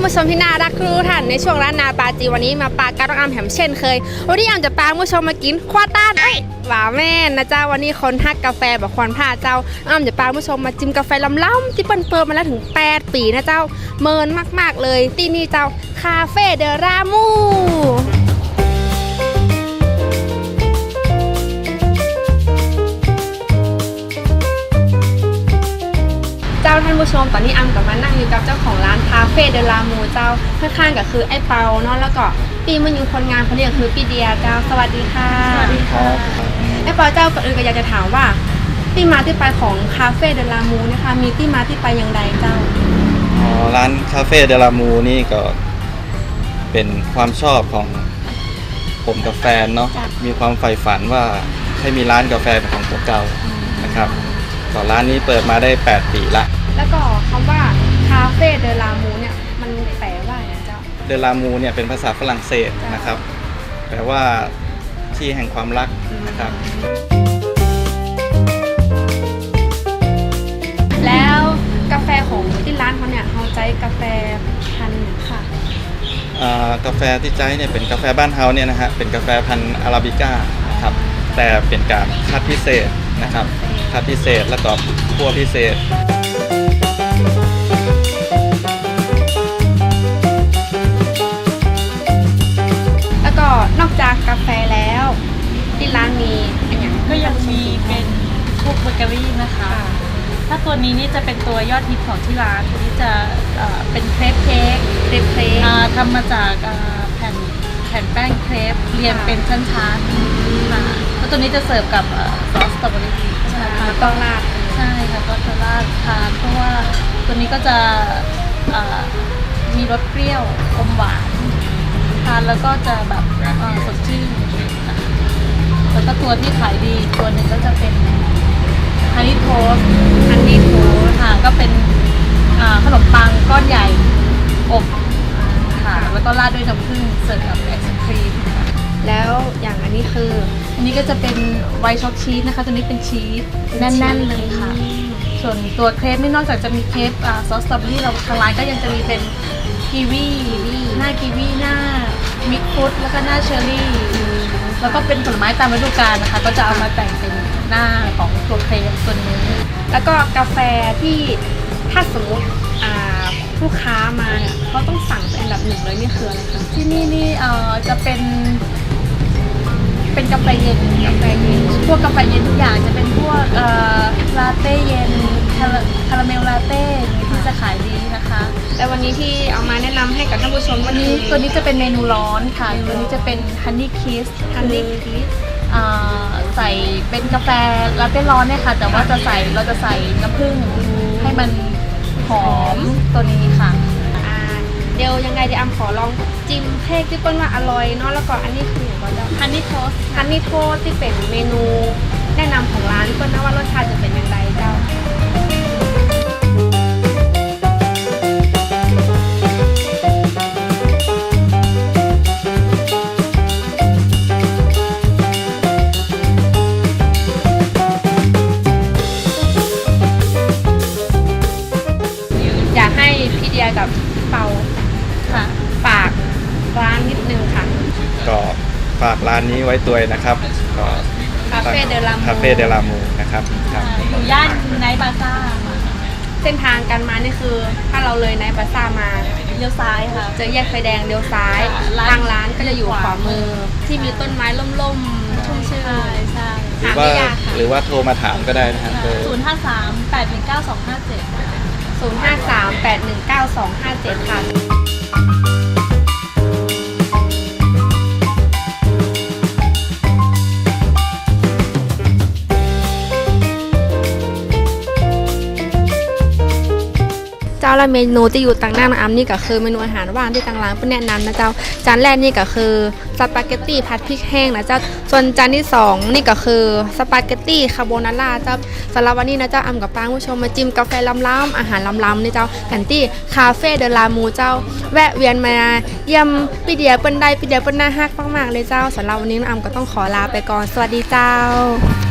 านผู้ชมที่น่ารักทุกท่านในช่วงร้านนาปาจีวันนี้มาปาการต้องอำแหมเช่นเคยวันนี้อำจะปาผู้ชมมากินควาต้านหวาแม่นะเจ้าวันนี้คนฮักกาแฟแบบควันผ้าเจ้าอำจะปาผู้ชมมาจิ้มกาแฟล้ำๆที่เปิดมาแล้วถึง8 ปีนะเจ้าเมินมากๆเลยที่นี่เจ้าคาเฟ่เดรามูเจ้าท่านผู้ชมตอนนี้อำกับมานั่งอยู่กับเจ้าของร้านคาเฟ่เดลามูเจ้าข้างๆก็คือไอ้เปาเนาะแล้วก็ปีมันอยู่คนงานคนนี้ก็คือพี่เดียเจ้าสวัสดีค่ะสวัสดีครับไอ้เปาเจ้าก่อนอื่นก็อยากจะถามว่าที่มาที่ไปของคาเฟ่เดลามูนะคะมีที่มาที่ไปอย่างไรเจ้าร้านคาเฟ่เดลามูนี่ก็เป็นความชอบของผมกับแฟนเนาะมีความใฝ่ฝันว่าให้มีร้านกาแฟเป็นของตัวเก่านะครับก็ร้านนี้เปิดมาได้8 ปีละแล้วก็คำว่าคาเฟ่เดลามูเนี่ยมันแปลว่าอะไรเจ้าเดลามูเนี่ยเป็นภาษาฝรั่งเศสนะครับแปลว่าที่แห่งความรักนะครับแล้วกาแฟของที่ร้านเขาเนี่ยเขาใช้กาแฟพันธุ์ค่ะกาแฟที่ใช้เนี่ยเป็นกาแฟบ้านเฮาเนี่ยนะฮะเป็นกาแฟพันธุ์อาราบิก้าครับแต่เป็นการคัดพิเศษนะครับคัดพิเศษแล้วก็คั่วพิเศษแล้วก็นอกจากกาแฟแล้วที่ร้านมีอันอย่างก็ยังมีเป็นพวกเบเกอรี่นะคะถ้าตัวนี้นี่จะเป็นตัวยอดฮิตของที่ร้านตัวนี้จะเป็นเครปเค้กทำมาจากแผ่นแป้งเครปเรียงเป็นชั้นๆค่ะแล้วตัวนี้จะเสิร์ฟกับซอสสตรอเบอรี่ใช่ค่ะต้องราดใช่ค่ะก็จะราดทานเพราะว่าตัวนี้ก็จะมีรสเปรี้ยวอมหวานทานแล้วก็จะแบบสดชื่นแล้วก็ตัวที่ขายดีตัวหนึ่งก็จะเป็นฮันนี่โทสค่ะก็เป็นขนมปังก้อนใหญ่อบค่ะแล้วก็ราดด้วยน้ำผึ้งเสิร์ฟกับไอศครีมแล้วอย่างอันนี้คืออันนี้ก็จะเป็นไวท์ช็อกชีสนะคะตัวนี้เป็นชีสแน่นๆเลยค่ะส่วนตัวเครปนี่นอกจากจะมีเครปซอสสตรอเบอรี่เราทางร้านก็ยังจะมีเป็นกีวีหน้ากีวีหน้ามิกฟุตแล้วก็หน้าเชอร์รี่แล้วก็เป็นผลไม้ตามฤดูกาลนะคะก็จะเอามาแต่งเป็นหน้าของตัวเครปตัวนี้แล้วก็กาแฟที่ถ้าสมมติลูกค้ามาเนี่ยเขาต้องสั่งเป็นอันดับ 1เลยนี่คืออะไรคะที่นี่จะเป็นกาแฟเย็นพวกกาแฟเย็นทุกอย่างจะเป็นพวกลาเต้เย็นคาราเมลลาเต้ที่จะขายดีนะคะแต่วันนี้ที่เอามาแนะนำให้กับท่านผู้ชมวันนี้ตัวนี้จะเป็นเมนูร้อนค่ะตัวนี้จะเป็นฮันนี่คิสใส่เป็นกาแฟลาเต้ร้อนเนี่ยค่ะแต่ว่าเราจะใส่น้ำผึ้งให้มันหอมตัวนี้ค่ะเดี๋ยวยังไงเดี๋ยวขอลองจิ้มเค้กที่เปิ้ลว่าอร่อยเนาะแล้วก็อันนี้คืออย่างไรเจ้าฮันนี่โทสที่เป็นเมนูแนะนำของร้านเปิ้ลนะว่ารสชาติจะเป็นอย่างไรเจ้าอยากให้พี่เดียกับเปาค่ะฝากร้านนิดนึงค่ะก็ฝากร้านนี้ไว้ตัวนะครับก็คาเฟ่เดลามูนะครับอยู่ย่านไนท์บาซ่าเส้นทางการมานี่คือถ้าเราเลยไนท์บาซ่ามาเลี้ยวซ้ายค่ะเจอแยกไฟแดงเลี้ยวซ้ายทางร้านก็จะอยู่ขวามือที่มีต้นไม้ล่มๆชุ่มชื่นใช่หรือว่าโทรมาถามก็ได้นะครับ 053-819-257ค่ะเจ้าละเมนูที่อยู่ต่างหน้าน้ำอ้ำนี่ก็คือเมนูอาหารว่างที่ต่างร้านเพื่อแนะนำนะเจ้าจานแรกนี่ก็คือสปาเกตตี้ผัดพริกแห้งนะเจ้าส่วนจานที่2นี่ก็คือสปาเกตตี้คาโบนาร่าเจ้าสำหรับวันนี้นะเจ้าอ้ำกับป้าผู้ชมมาจิ้มกาแฟล้ำๆอาหารล้ำๆนี่เจ้ากันที่คาเฟ่เดลามูเจ้าแวะเวียนมาเยี่ยมพี่เดียเปิ้ลน่าฮักมากๆเลยเจ้าสำหรับวันนี้อ้ำก็ต้องขอลาไปก่อนสวัสดีเจ้า